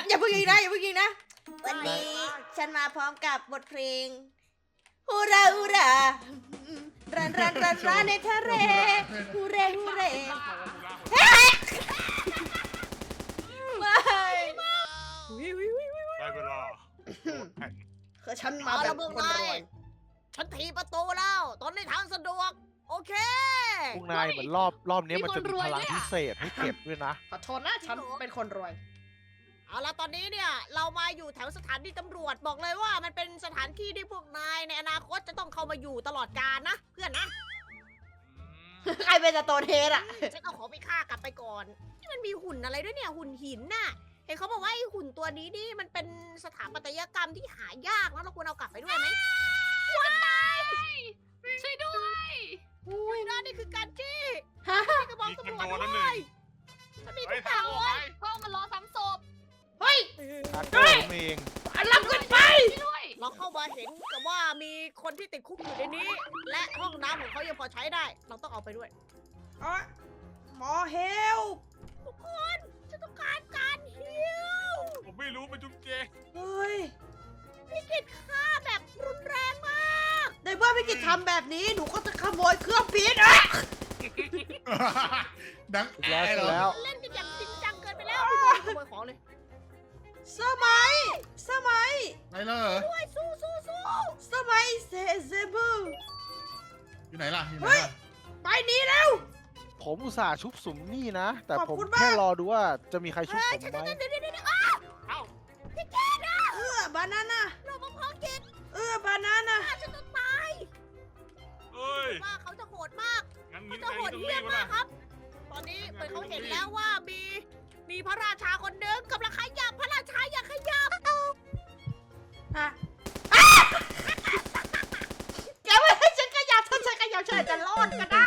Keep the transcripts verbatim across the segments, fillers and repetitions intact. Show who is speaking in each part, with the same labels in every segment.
Speaker 1: อย่าเพิ่งยิงนะอย่าเพิ่งยิงนะวันนี้ฉันมาพร้อมกับบทเพลงฮูราฮูรารันรันรันรันในทะเลฮูเรฮูเรเฮ้ยไม่วิววิววิววิว
Speaker 2: ได้เวลา
Speaker 1: คือฉันมาแบบคนรวย
Speaker 3: ฉันถีประตูแล้ว ตอนนี้ทางสะดวก โอเค
Speaker 4: พวกนายเหมือนรอบรอบนี้มันจะมีพลังพิเศษให้เก็บด้วยนะ
Speaker 1: ขอโทษนะฉันเป็นคนรวย
Speaker 3: เอาละตอนนี้เนี่ยเรามาอยู่แถวสถานีตำรวจบอกเลยว่ามันเป็นสถานที่ที่พวกนายในอนาคตจะต้องเข้ามาอยู่ตลอดกาลนะ เพื่อนนะ
Speaker 1: ใครเป็นสโตนเฮดอะ
Speaker 3: ฉันเอาของไปฆ่ากลับไปก่อนนี่มันมีหุ่นอะไรด้วยเนี่ยหุ่นหินน่ะเห็นเขาบอกว่าไอ้หุ่นตัวนี้นี่มันเป็นสถาปัตยกรรมที่หายากแล้วเราควรเอากลับไปด้วยไหมว้ายช่วยด้วยอุ้ยนั่นนี่คือการจี้
Speaker 1: ฮะ
Speaker 3: นี่กระบอก
Speaker 2: มี
Speaker 3: ตำ
Speaker 2: กัน
Speaker 3: รวจ
Speaker 2: โดนนั่นห
Speaker 3: ด้
Speaker 2: นึ่
Speaker 3: ว
Speaker 2: ง
Speaker 3: ยฉันมี
Speaker 2: ไอ้
Speaker 3: ทุกอ
Speaker 2: ทา
Speaker 3: ย่าง ง
Speaker 2: ออก
Speaker 3: เล
Speaker 2: ไป
Speaker 3: ย
Speaker 5: กล้องมันรอซ้ำศพ
Speaker 1: เฮ้ย
Speaker 4: อาเกิดผมเอง
Speaker 1: รับขึ้นไป
Speaker 5: ด้วย
Speaker 3: เราเข้ามาเห็นกับว่ามีคนที่ติดคุกอยู่ในนี้ และห้องน้ำของเขายังพอใช้ได้ เราต้องเอาไปด้วย
Speaker 1: อ๋อหมอเฮล
Speaker 3: ทุกคนฉันต้องการการฮิว
Speaker 2: ผมไม่รู้เป็นจุ๊บเจ
Speaker 1: เฮ้ย
Speaker 3: พี่กิดฆ่าแบบรุนแรงมาก
Speaker 1: ในเมื่อพี่กิจทำแบบนี้หนูก็จะขโมยเครื่องพิษอ่ะ
Speaker 6: ดัง
Speaker 4: ถูกแล้ว
Speaker 6: แอ
Speaker 4: ถู
Speaker 6: ร์เหรอ
Speaker 4: กแล้ว
Speaker 3: เล่นกันอย่างจริงจังเกินไปแล้วพี่บอลขโมยของเลย
Speaker 1: สมัย สมัย
Speaker 6: ไหนเลยเหรอ
Speaker 3: ด้วยสู้สู้สู้
Speaker 1: สมัยเซเซบู
Speaker 6: อยู่ไหนล่ะ อยู่ไหน
Speaker 1: เฮ้ย
Speaker 6: ล่ะ
Speaker 1: ไปหนี้แล้ว
Speaker 4: ผมอุตส่าห์ชุบสุมนี่นะ แต่
Speaker 1: ขอบ
Speaker 4: ผม
Speaker 1: คุณมาก
Speaker 4: แค่รอดูว่าจะมีใครชุบ
Speaker 3: เฮ้
Speaker 4: ผ
Speaker 3: ย
Speaker 4: ม
Speaker 3: ฉัน
Speaker 4: ไหม
Speaker 3: จะเดี๋ยวเดี๋ยวเดี๋ยวอ้าว
Speaker 2: เอ้า
Speaker 3: พี่เกดอะ
Speaker 1: เออบานาน่า
Speaker 3: เรามาพอกิน
Speaker 1: เออบานาน่า
Speaker 3: ฆ่าฉันจะตาย
Speaker 2: เอ้ย
Speaker 3: ว่าเขาจะโหดมาก
Speaker 2: งั้น
Speaker 3: เขา
Speaker 2: งี้
Speaker 3: จะ
Speaker 2: นาย
Speaker 3: โหด
Speaker 2: ต้อง
Speaker 3: เหี้
Speaker 2: รี
Speaker 3: ย
Speaker 2: บ
Speaker 3: ม
Speaker 2: แล้ว
Speaker 3: มาก
Speaker 2: นะ
Speaker 3: ครับ ตอนนี้เหมือนเขาเห็นแล้วว่ามีมีพระราชาคนหนึงกำลังขยับพระราชาอยากขยับ
Speaker 1: ฮะแกไม่ให้ฉันขยับถ้าฉันขยับฉันอาจจะรอดก็ได้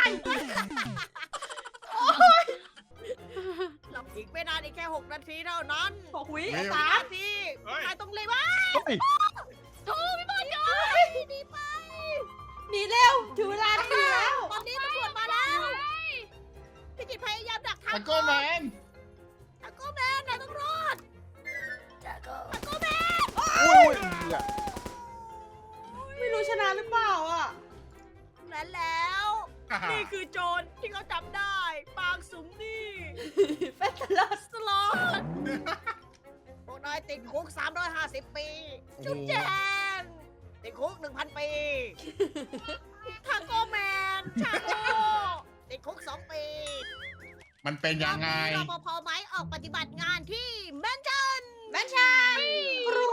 Speaker 3: หลับอีกไม่นานอีกแค่หกนาทีเท่านั้น
Speaker 1: หกวิ
Speaker 6: เฮ้ย
Speaker 1: สาม
Speaker 3: นาทีนายต้องเลยว่า
Speaker 4: เฮ้ย
Speaker 3: ทูพี่บอลยดีไป
Speaker 1: หนีเร็วถึงเวลาหนีแล้ว
Speaker 3: ตอนนี้ตำรวจมาแล้วพี่กิตพยายามดักทาง
Speaker 6: ตะโก้แมน
Speaker 3: ตะโกแมนนายต้องรอดตะโกตะโกแมน
Speaker 4: อุ้ยอุ้ยอ่ะ
Speaker 1: ไม่รู้ชนะหรือเปล่าอ่ะ
Speaker 3: และแล้ว
Speaker 6: อ่าฮะ
Speaker 3: นี่คือโจรที่เขาจำได้ ปางสุมนี่
Speaker 1: เฟสลา
Speaker 3: สลอดพวกนายติดคุก สามร้อยห้าสิบ ปี จุ๊บแจงติดคุก หนึ่งพัน ปีทาโก้แมน ชาโก้ติดคุก สอง ปี
Speaker 6: มันเป็นยังไง
Speaker 3: รปภไหมออกปฏิบัติงานที่แมนชั่น
Speaker 1: แมนชันกรู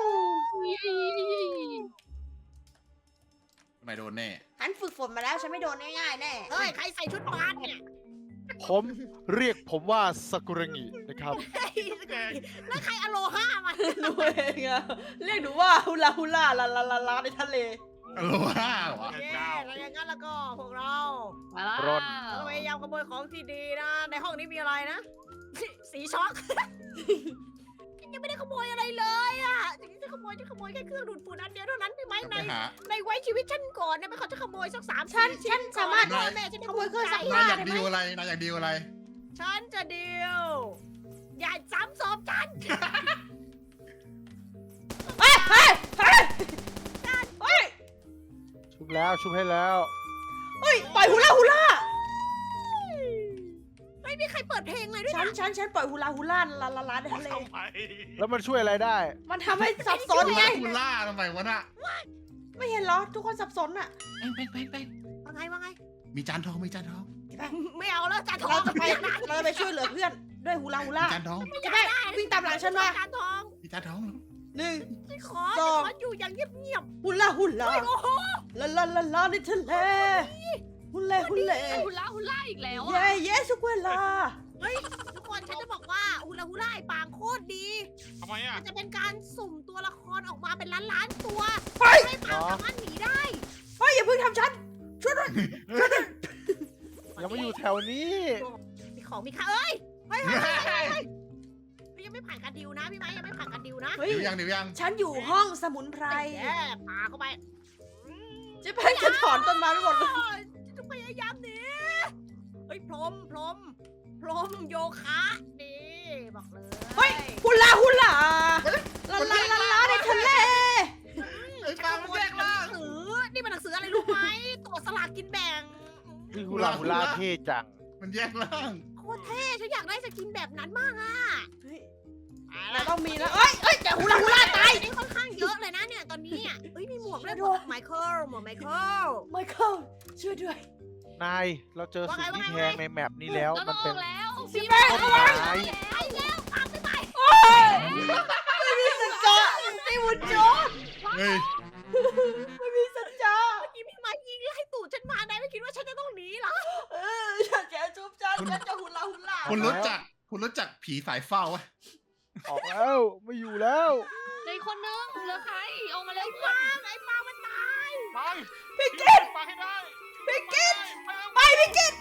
Speaker 6: ทำไมโดนแน่
Speaker 1: ฉันฝึกฝนมาแล้วฉันไม่โดนง่ายๆแน่
Speaker 3: เฮ้ย ใครใส่ชุดบาสเนี่ย
Speaker 4: ผมเรียกผมว่าสกุระงินะครับ
Speaker 3: เฮ้ยแล้วใครอโลฮามา
Speaker 1: หนูเองอะเรียกหนูว่าฮุลาฮุลาลาลาลาลาในทะเล
Speaker 6: อโลฮาเหรอ
Speaker 3: โอเคแล้วอย่างนั้นแล้วก็พวกเรา
Speaker 5: มาแล้ว
Speaker 4: ร่อน
Speaker 3: เราพยายามขโมยของที่ดีนะ ในห้องนี้มีอะไรนะ สีช็อก ยังไม่ได้ขโมยอะไรเลยอ่ะถึงจะขโมยจะขโมยแค่เครื่องดูดฝุ่นอันเดียวเท่านั้นใช่ไหม
Speaker 6: ไป
Speaker 3: ใน
Speaker 6: หา
Speaker 3: ในไว้ชีวิตฉันก่อนนะไม่เขาจะขโมยสักสาม
Speaker 1: ฉัน
Speaker 3: สี่
Speaker 1: ฉันสามารถ
Speaker 3: ก่อนแม่ฉันได้
Speaker 1: ขโมยเครื่องซัก
Speaker 3: ภูมิใจ
Speaker 1: ผ้
Speaker 6: นายอยากดีลอะไร นายอยากดีลอะไร
Speaker 3: ฉันจะเดียว อย่าซ้ำศพฉัน
Speaker 1: เฮ้ยเฮ้ยเฮ้ยเฮ้ย
Speaker 4: ชุบแล้วชุบให้แล้ว
Speaker 1: เฮ้ยปล่อยฮุลาฮุลา
Speaker 3: ไม่มีใครเปิดเพลงเลยด้วย
Speaker 1: ฉัน
Speaker 3: นะ
Speaker 1: ฉันฉันปล่อยฮุลาฮุลาลาลาลาในทะเล
Speaker 2: ทำไม
Speaker 4: แล้วมันช่วยอะไรได้
Speaker 1: มันทำให้สับสนไง
Speaker 6: คูล่าทำไมวะน่ะ
Speaker 1: ไม่เห็นเหรอ ทุกคนสับสนอะ
Speaker 6: เป้งเป้งเป้งเป้ง
Speaker 3: ว่าไงว่าไง
Speaker 6: มีจานทอง มีจานทอง
Speaker 3: ไม่เอาแล้วจานทอง
Speaker 1: เราจะไปเราจะไปช่วยเหลือเพื่อนด้วยฮุลาฮุลา
Speaker 6: มีจานทอง
Speaker 1: จะไปวิ่งตามหลังฉันมา
Speaker 3: จานทอง
Speaker 6: มีจานทอง
Speaker 1: หนึ่ง
Speaker 3: ฉันขอ
Speaker 1: สอง
Speaker 3: ฉันขออยู่อย่างเงียบ
Speaker 1: ฮุลาฮุ
Speaker 3: ๆ
Speaker 1: ลา
Speaker 3: เฮ้ยโอ้โห
Speaker 1: ลาลาลาลาในทะเลฮุลาฮุลา
Speaker 5: ฮุล่าฮุล่าอีกแล้ว
Speaker 1: เย้
Speaker 5: อ่ะ
Speaker 1: เย้ทุกเวลา
Speaker 3: เฮ้ยทุกคนฉันจะบอกว่าฮูลาฮูล่าไอ้ปางโคตรดี
Speaker 2: ทำไมอ่ะ
Speaker 3: มันจะเป็นการสุ่มตัวละครออกมาเป็นล้านๆตัว
Speaker 1: เฮ้ย
Speaker 3: ให้ปางสามารถหนีได้
Speaker 1: เฮ้ยอย่าเพิ่งทำฉันช่วยด้วย
Speaker 4: ยังไม่อยู่แถวนี้
Speaker 3: มีของมีค่าเอ้ยเฮ้ยเฮ้ยเฮ้ยเฮ้ยเฮ้ยยังไม่ผ่านการดิวนะพี่ไม้ยังไม่ผ่านการดิวนะ
Speaker 1: เฮ้ย
Speaker 6: เดี๋ยวยัง เดี๋ยวยัง
Speaker 1: ฉันอยู่ห้องสมุนไพร
Speaker 3: แย่พาเข้าไป
Speaker 1: เจะเป็นจะถอนต้นไม้ไปหมดเลย
Speaker 3: โอ้ยฉันจะพยายามหนีเฮ้ยพรมพรมพรมโยคะดีบอกเลย
Speaker 1: เฮ้ยฮุลาฮุลา
Speaker 6: ไป
Speaker 4: เท่จัง
Speaker 6: มันแยกร่าง
Speaker 3: โคตรเท่ฉันอยากได้สกินแบบนั้นมากอ่ะ
Speaker 1: เฮ้ย
Speaker 3: เอา
Speaker 1: เรา
Speaker 3: ละ
Speaker 1: ต้องมีแล้วเอ้ยเอ้ยแต่ฮูลาฮูลาตาย
Speaker 3: นี่ค่อนข้างเยอะเลยนะเนี่ยตอนนี้อ่ะเอ้ยมีหมวกด้วยหมวกไมเคิลหมวกไมเคิล
Speaker 1: ไมเคิลช่วยด้วย
Speaker 4: นาย เราเจอสิ่งที่
Speaker 3: ว่าไง
Speaker 4: แพงในแมปนี้แล้ว
Speaker 5: เรา
Speaker 4: มัน
Speaker 5: ต้
Speaker 4: เป็
Speaker 5: อน งแล้ว
Speaker 1: พี่แม่
Speaker 4: ต้น
Speaker 1: ระวัง
Speaker 4: ไม้
Speaker 3: ไปแล้วตามไปไป
Speaker 1: โอ้ยไม่มีสัจจะไม่วุนโจน
Speaker 6: เฮ้ย
Speaker 1: ไม่มีสัจจะ
Speaker 3: เมื่อกี้พี่ไม้ยิงไล่ตูดฉันมานายไม่คิดว่าฉันจะต้องหนีเหรอ
Speaker 1: เอออยากแกจุ๊บจันฉันจะฮูลาฮูลา
Speaker 6: คุณรู้จัก คุณรู้จักผีสายเฝ้าวะ
Speaker 4: ออกแล้ว ไม่อยู่แล้ว
Speaker 5: ในคนนึงเหลือใครออกมาเลย
Speaker 3: ปางไอ้ปางมันตาย
Speaker 2: ไป
Speaker 1: พี่กิต
Speaker 2: ไปให้ได้
Speaker 1: พี่กิตไปพี่กิต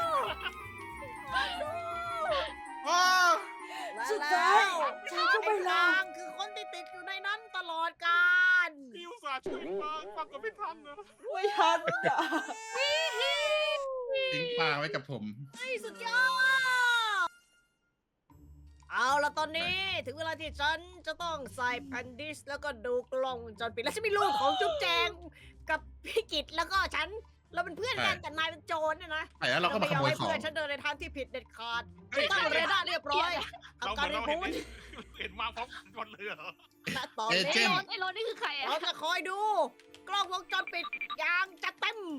Speaker 6: อ้าว
Speaker 1: สุดท้ายฉันก็ไม่ลา
Speaker 3: ปางคือคนที่ติดอยู่ในนั้นตลอดกาล
Speaker 2: พี่อุตส่าห์ช่วยฟังฟังก็ไม่ทันนะ
Speaker 1: ไม่ทันอ่ะ
Speaker 6: ทิ้งปลาไว้กับผม
Speaker 3: เฮ้ยสุดยอด เอาละตอนนี้ถึงเวลาที่ฉันจะต้องใส่แผ่นดิสแล้วก็ดูกล้องวงจรปิดแล้วฉันมีลูกของจุ๊บแจงกับพี่กิตแล้วก็ฉันเราเป็นเพื่อนกัน
Speaker 6: ใช่
Speaker 3: แต่นายเป็นโจรเนี่ยนะ
Speaker 6: แต่แล้วเราก็มาขโมย
Speaker 3: ไให้
Speaker 6: ของ
Speaker 3: เพื่อนฉันเดินในทางที่ผิดเด็ดขาด
Speaker 2: เฮ้ย
Speaker 3: ตั้งเรดาร์เรียบร้อย
Speaker 2: เรา
Speaker 3: ทำ
Speaker 2: เหมื
Speaker 3: กา
Speaker 2: อ
Speaker 3: ร
Speaker 2: น
Speaker 3: รี
Speaker 2: เรา
Speaker 3: พู
Speaker 2: เห็น
Speaker 3: ด
Speaker 2: เห็นมาพร้อมกันเลยเหรอ
Speaker 3: และตอน
Speaker 6: เอเจ
Speaker 3: นี้
Speaker 6: นต์
Speaker 5: ไอ้รถนี่คือใครอะ
Speaker 3: เราจะคอยดู กล้องวงจรปิดอย่างจะเต็ม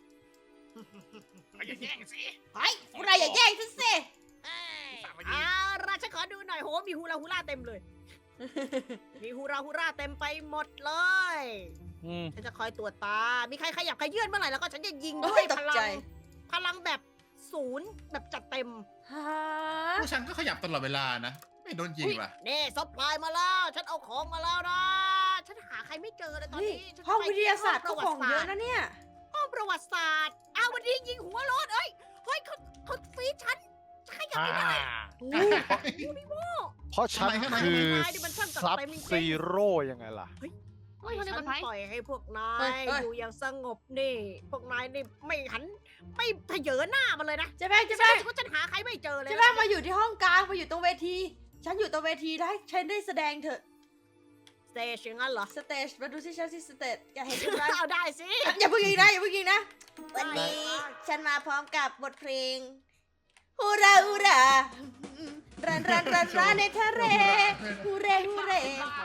Speaker 2: อย่าแย่งสิ
Speaker 1: เฮ้ยพวกนายอย่าแย่งฉันสิ
Speaker 3: เอาราฉันขอดูหน่อยโหมีฮูลาฮูลาเต็มเลย มีฮูราฮูราเต็มไปหมดเลย
Speaker 4: อืม
Speaker 3: ฉันจะคอยตรวจตา มีใครขยับขยื่นเมื่อไหร่แล้วก็ฉันจะยิงด้
Speaker 1: โอ้
Speaker 3: วย
Speaker 1: ยต
Speaker 3: พ
Speaker 1: ก
Speaker 3: ลั
Speaker 1: ใจ
Speaker 3: ง พลังแบบศูนย์แบบจัดเต็ม
Speaker 1: ฮะ
Speaker 6: ผู้ฉันก็ขยับตลอดเวลานะ ไม่โดนยิงว่ะ
Speaker 3: นี่ซัพพลายมาแล้ว ฉันเอาของมาแล้วนะ ฉันหาใครไม่เจอเลยตอน
Speaker 1: เฮ้ย
Speaker 3: นี้ฉันจะ
Speaker 1: ห้อง
Speaker 3: ไป
Speaker 1: วิทยาศาสตร์
Speaker 3: ห้
Speaker 1: ก็
Speaker 3: อง
Speaker 1: ของเยอะ
Speaker 3: ประวัติศาสตร์
Speaker 1: นะเนี่ย
Speaker 3: ห้องประวัติศาสตร์อ้าววันนี้ยิงหัวรถเอ้ย เฮ้ยเขาเขาฟีดฉันขยับ
Speaker 4: อ่า
Speaker 3: ไม่ได้
Speaker 4: เพราะฉัน
Speaker 6: ทำไมทำไม
Speaker 4: คือ
Speaker 3: ทำไมมันช่างจัด
Speaker 4: ซับ
Speaker 3: เต็มจริงๆ
Speaker 4: ซีโร่ยังไงล่ะ
Speaker 5: เฮ้ยคนนี้
Speaker 3: ฉั
Speaker 5: เป็น นใคร
Speaker 3: ปล่อยให้พวกนา
Speaker 1: เฮ้
Speaker 3: ย
Speaker 1: ยเฮ้ย
Speaker 3: อยู่อย่างสงบนี่ พวกนายนี่ไม่หัน ไม่เผยหน้ามันเลยนะ
Speaker 1: เจ๊แป้งเจ๊
Speaker 3: ฉัน
Speaker 1: แป้ง
Speaker 3: รู้สึกว่าฉันหาใครไม่เจอเลย
Speaker 1: เจ๊แป้งมาอยู่ที่ห้องกลางมาอยู่ตรงเวที ฉันอยู่ตรงเวทีได้ฉันได้แสดงเถอะ
Speaker 3: สเตจอย่างนั้นเหรอ
Speaker 1: สเตจมาดูที่ฉันที่สเตจอย่าเห็นฉันไหม
Speaker 3: เอาได้สิ
Speaker 1: อย่าเพิ่งยิงนะอย่าเพิ่งยิงนะ
Speaker 3: ได้
Speaker 1: วันนี้ฉันมาพร้อมกับบทเพลงฮูราฮูรารันรันรันรันในทะเลฮูเรฮูเร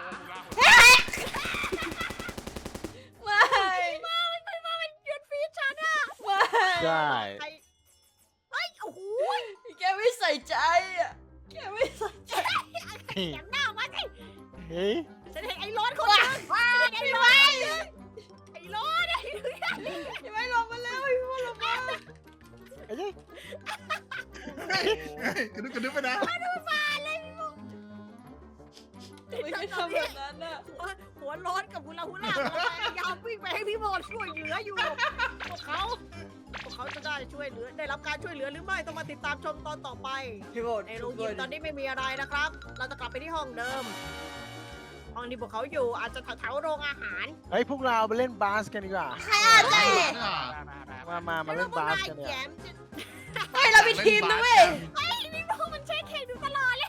Speaker 1: ไม่
Speaker 3: มามันไปมามันหยุดฟีดฉันอะ
Speaker 1: ไม่
Speaker 4: ได้
Speaker 3: ใครเฮ้ย โอ้โห
Speaker 1: แกไม่ใส่ใจอ่ะแกไม่ใส่ใจ
Speaker 3: อย่างหน้ามาสิ
Speaker 4: เฮ้ย
Speaker 3: ฉันเห็นไอ้รถคนนึงฉันเห็นไอ้รถคนนึงไอ้รถไอ้รถ
Speaker 1: อย่าไม่ลงมาแล้วอย่าไม่ลงมา
Speaker 4: ไอ้เจ้ย
Speaker 6: เฮ้ยเฮ้ยกระดึ๊บกระดึ๊บไปนะ
Speaker 1: ไม่ใช่ทำแบบนั้นอ่ะ
Speaker 3: หัวหัวร้อนกับฮุลาฮุลาพยายามวิ่งไปให้พี่โมดช่วยเหลืออยู่ พวกเขา พวกเขาจะได้ช่วยเหลือ ได้รับการช่วยเหลือหรือไม่ต้องมาติดตามชมตอนต่อไป
Speaker 1: พี่โบด
Speaker 3: ในโรงยิมตอนนี้ไม่มีอะไรนะครับ เราจะกลับไปที่ห้องเดิม ห้องที่พวกเขาอยู่อาจจะแถวๆโรงอาหาร
Speaker 4: เฮ้ยพวกเราไปเล่นบาสกันดีกว่า
Speaker 1: ใครอ่ะเจ๊
Speaker 4: มา มา มาเล่นบาสกัน
Speaker 3: แล้
Speaker 4: เนี่
Speaker 3: วย พวกนายแย้มจะ
Speaker 1: เฮ้ยเรามีทีมนะเว้ย
Speaker 3: เฮ้ยพี่โมมันเช็คเข่งดูตลอดเลย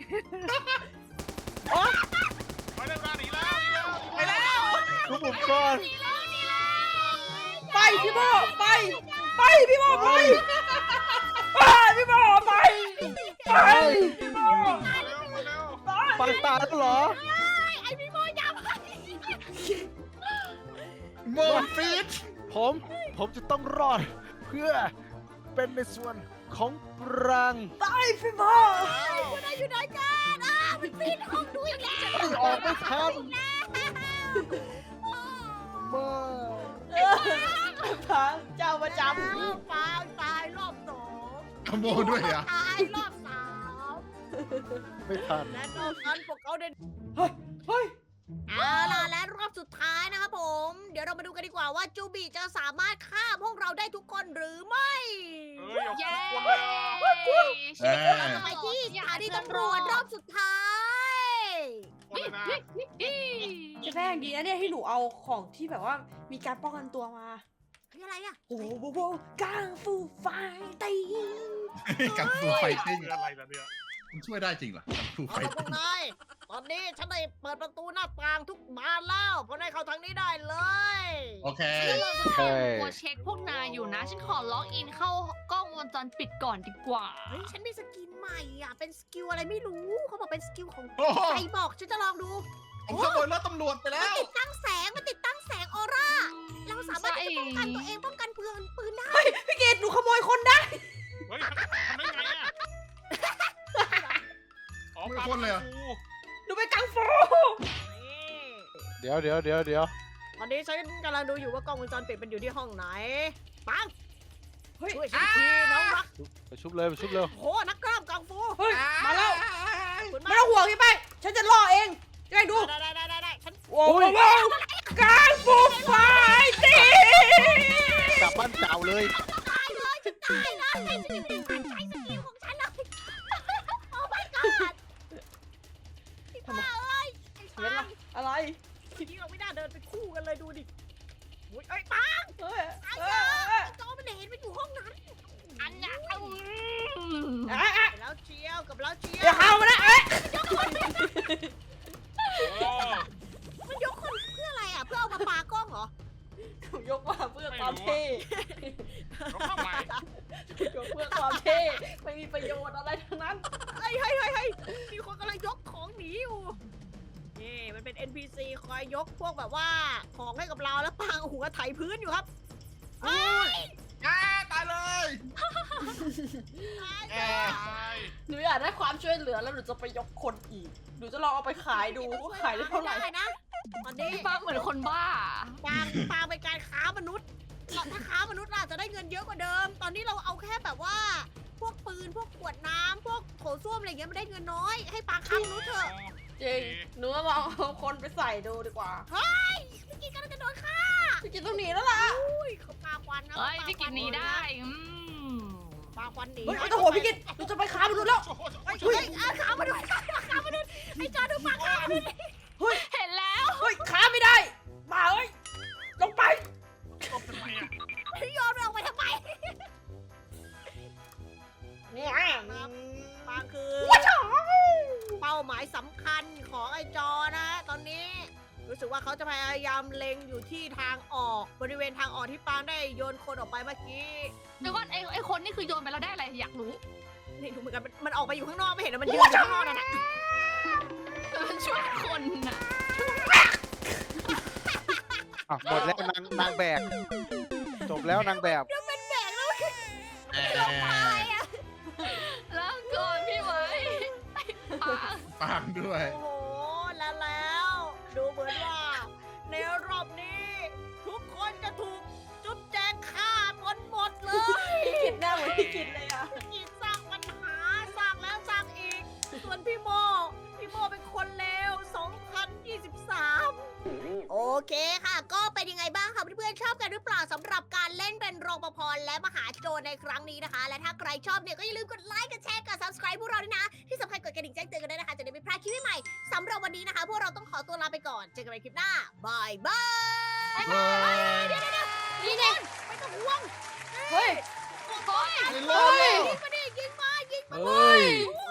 Speaker 2: ไปได้เวลาหนีแล้วหนีแล้ว
Speaker 3: ไปแล้ว
Speaker 4: ทุกผมก่อน
Speaker 1: ไปพี่โบไป ไปพี่โบไปไปพี่โบไปไปพี่โบ
Speaker 2: มาเร็วมาเร็ว
Speaker 4: ปังตาแล้วเหรอ
Speaker 3: ไอ้พี่โมยับ
Speaker 6: โมฟีด
Speaker 4: ผม ผมจะต้องรอด เพื่อเป็นในส่วนของปรัง
Speaker 1: ไปพี่โบ
Speaker 3: คุณนายอยู่ไหนกันอ้ามันปีนห้องดูอีกแล้ว
Speaker 4: ไม่ออกไม่ทันมา
Speaker 1: พังเจ้าประจ
Speaker 3: อ้าวฟางตายรอบสอง
Speaker 6: ขโมยด้วยอ่ะ
Speaker 3: ตายรอบสาม
Speaker 4: ไม่ทัน
Speaker 3: และนอกนั้นพวกเขาได้
Speaker 1: ำเฮ้ยเฮ้ย
Speaker 3: เอาล่ะและรอบสุดท้ายนะครับผม เดี๋ยวเรามาดูกันดีกว่าว่าจูบิจะสามารถฆ่าพวกเราได้ทุกคนหรือไม่
Speaker 2: เฮ้ยเอา
Speaker 5: เย้
Speaker 2: คนเลยอ่ะ
Speaker 6: เอ้ย
Speaker 3: เราจะไปที่สถานีตำรวจรอบสุดท้าย
Speaker 2: คนเลยนะ
Speaker 1: เจะแป้งดีนะเนี่ยที่หนูเอาของที่แบบว่ามีการป้องกันตัวมา
Speaker 3: คืออะไรอะ
Speaker 1: โอ้โหโหกังฟูไฟติ้ง
Speaker 6: กับฟูไฟติ้ง
Speaker 2: คืออะไรล่ะเนี่ย
Speaker 6: มันช่วยได้จริงเหรอครูไฟ
Speaker 3: เอาละพวกนายตอนนี้ฉันได้เปิดประตูหน้าต่างทุกบานแล้วเพราะนายเข้าทางนี้ได้เลย
Speaker 6: โอเค
Speaker 4: เฮ้ย
Speaker 5: ตัวเช็คพวกนายอยู่นะ ฉันขอล็อกอินเข้ากล้องวงจรปิดก่อนดีกว่า
Speaker 3: เฮ้ยฉันมีสกินใหม่อ่ะเป็นสกิลอะไรไม่รู้เขาบอกเป็นสกิลของ
Speaker 6: โอ้โห
Speaker 3: ใครบอกฉันจะลองดู
Speaker 6: ผมขโมยรถตำรวจไปแล้
Speaker 3: มัน
Speaker 6: ว
Speaker 3: ติดตั้งแสงมันติดตั้งแสงออร่าเราสามารถที่จะป้องกันตัวเองป้องกันปืนปืนได้
Speaker 1: พี่กิตหนูขโมยคนได้
Speaker 2: เฮ้ยทำได้ไงอ่ะอ๋อ
Speaker 6: ไม่พ้นเลยเหรอ
Speaker 1: หนูไปกังฟู
Speaker 3: นี่
Speaker 4: เดี๋ยวเดี๋ยวเดี๋ยวเดี๋ยว
Speaker 3: ตอนนี้ฉันกำลังดูอยู่ว่ากล้องวงจรปิดมันอยู่ที่ห้องไหนปัง
Speaker 1: เฮ้ย
Speaker 3: ช่วยฉันทีน้องรัก
Speaker 4: ไปชุบเลยไปชุบเร็ว
Speaker 3: โหนักกล้ามกังฟู
Speaker 1: เฮ้ยมาแล้ว
Speaker 3: คุณ
Speaker 1: ไม่ต้องห่วงพี่แป้งฉันจะล่อเองจะได้ดู
Speaker 3: ได้ได้ได้ได้ได้ฉัน
Speaker 1: ว้าวว้าวกังฟูไฟตี
Speaker 4: กลับบ้านเก่าเลย
Speaker 3: ตายเลยฉันตายเลยฉันไม่ได้ตั้งใจสกิลของฉันเลยโอ้ my god พี่ป้าเอ้ยไอ้
Speaker 1: เห็น
Speaker 3: ปั
Speaker 1: ปะ
Speaker 3: ง
Speaker 1: อะไร
Speaker 3: ทีนี้เราไม่น่าเดินไปคู่กันเลยดูดิอุ๊ยเอ้ยปัง
Speaker 1: เฮ้ย
Speaker 3: ไอ้
Speaker 1: เอ้
Speaker 3: เจ้าย
Speaker 1: เอ้ย
Speaker 3: จอมันเห็นมันอยู่ห้องนั้น
Speaker 5: อันน่ะอืม
Speaker 1: เอ้ยเอ้ย
Speaker 3: แล้วเชียวกับแล้วเชีย
Speaker 1: เดี๋ยว
Speaker 3: ว
Speaker 1: เข้ามานะเอ้ย
Speaker 2: โอ้
Speaker 3: มันยกคนเพื่ออะไรอ่ะเพื่อเอามาปากล้องเหรอ
Speaker 1: ยกมาเพื่อความเท่
Speaker 2: รถทำไม
Speaker 1: ยกเพื่อความเท่ไม่มีประโยชน์อะไรทั้งนั้น
Speaker 3: เฮ้ยเฮ้ยเฮ้ยเฮ้ยมีคนกำลังยกของหนีอยู่นี่มันเป็น เอ็น พี ซี คอยยกพวกแบบว่าของให้กับเราแล้วปางหัวไถพื้นอยู่ครับเฮ้ย
Speaker 6: อ่าตายเลย
Speaker 3: ตาย
Speaker 6: แอ
Speaker 3: จ้ะ
Speaker 6: ร์
Speaker 2: ตาย
Speaker 1: หนูอยากได้ความช่วยเหลือแล้วหนูจะไปยกคนอีก หนูจะลองเอาไปขายดูว่าขายได้เท่าไหร่
Speaker 3: ด้นะตอนนี้
Speaker 5: พี่ป้าเหมือนคนบ้า
Speaker 3: ปางปางเป็นการค้ามนุษย์ถ้าค้ามนุษย์เราจะได้เงินเยอะกว่าเดิม ตอนนี้เราเอาแค่แบบว่า พวกปืนพวกขวดน้ำพวกโถส้วมอะไรเงี้ยมันได้เงินน้อยให้ปางค้ามนุษย์เถอะ
Speaker 1: จริง หนูว่าลองเอาคนไปใส่ดูดีกว่า
Speaker 3: เฮ้ยเมื่อกี้กำลังจะโดนฆ่า
Speaker 1: พี่กินต้องหนีแล้วล่ะ
Speaker 3: อุ้ยเขาปาควันนะ
Speaker 5: เฮ้ย
Speaker 3: เขาปา
Speaker 5: พี่กินหนี้ได้อืม
Speaker 3: ปาควันหนี
Speaker 1: เฮ้ยไม่ต้องห่วงพี่กินหนูจะไปค้ามนุษย์แล้ว
Speaker 3: เฮ้ยเฮ้ยอ่ะค้ามนุษย์ค้ามนุษย์ไอ้จอดูปากค้ามนุษย์
Speaker 5: เห็นแล้ว
Speaker 1: เฮ้ยค้าไม่ได้ มาเอ้ย ลงไป
Speaker 2: ตบทำไมอ่ะ
Speaker 3: โยนมันออกไปทำไม
Speaker 1: เนี่ย
Speaker 3: ปางคือเป้าหมายสำคัญของไอ้จอนะ ตอนนี้ รู้สึกว่าเขาจะพยายามเล็งอยู่ที่ทางออกบริเวณทางออกที่ปางได้โยนคนออกไปเมื่อกี้
Speaker 5: เดี๋ยวก่อนไอ้ไอ้คนนี่คือโยนไปแล้วได้อะไรอยากรู้
Speaker 3: นี่ดูเหมือนกันมันมันออกไปอยู่ข้างนอกไม่เห็นนะมันยืนอยู่ข้างนอกนั่นแหละ
Speaker 5: มันช่วยคนน่ะ
Speaker 4: อ่ะหมดแล้วนางนางแบก จบแล้วนางแบบ
Speaker 3: แล้วเป็นแบกแล้ว
Speaker 6: แอ
Speaker 3: ลงไป
Speaker 6: ร์
Speaker 3: อ่ะ
Speaker 5: แล้วก่อนพี่ไว้ป้า
Speaker 6: ปังด้วย
Speaker 3: โอ้โหแล้วแล้ว ดูเหมือนว่า ในรอบนี้ ทุกคนจะถูกจุ๊บแจงฆ่าหมดหมดเลย
Speaker 1: พี่กินหน้าเหมือนพี่กินเลยอ่ะ
Speaker 3: อีกสร้างปัญหาสร้างแล้วสร้างอีก ส่วนพี่โม พี่โมเป็นคนเลว สองพันยี่สิบสาม โอเคค่ะ ก็เป็นยังไงบ้างคะเพื่อนๆชอบกันหรือเปล่าสำหรับการเล่นเป็นรปภและมหาโจรในครั้งนี้นะคะ และถ้าใครชอบเนี่ยก็อย่าลืมกดไลค์กดแชร์กด subscribe พวกเราด้วยนะ ที่สำคัญกดกระดิ่งแจ้งเตือนกันด้วยนะคะจะได้ไม่พลาดคลิปใหม่ๆสำหรับวันนี้นะคะ พวกเราต้องขอตัวลาไปก่อนเจอกันใหม่คลิปหน้าบายบาย
Speaker 6: เฮ้ย
Speaker 3: เดี๋ยวเดี๋ยวนี่ไงไม่ต้องห่วง
Speaker 1: เฮ้ย
Speaker 3: โอ้ย
Speaker 6: ไปเลย
Speaker 3: ยิงมาดิยิงมายิงมา
Speaker 4: เฮ้ย
Speaker 3: โอ้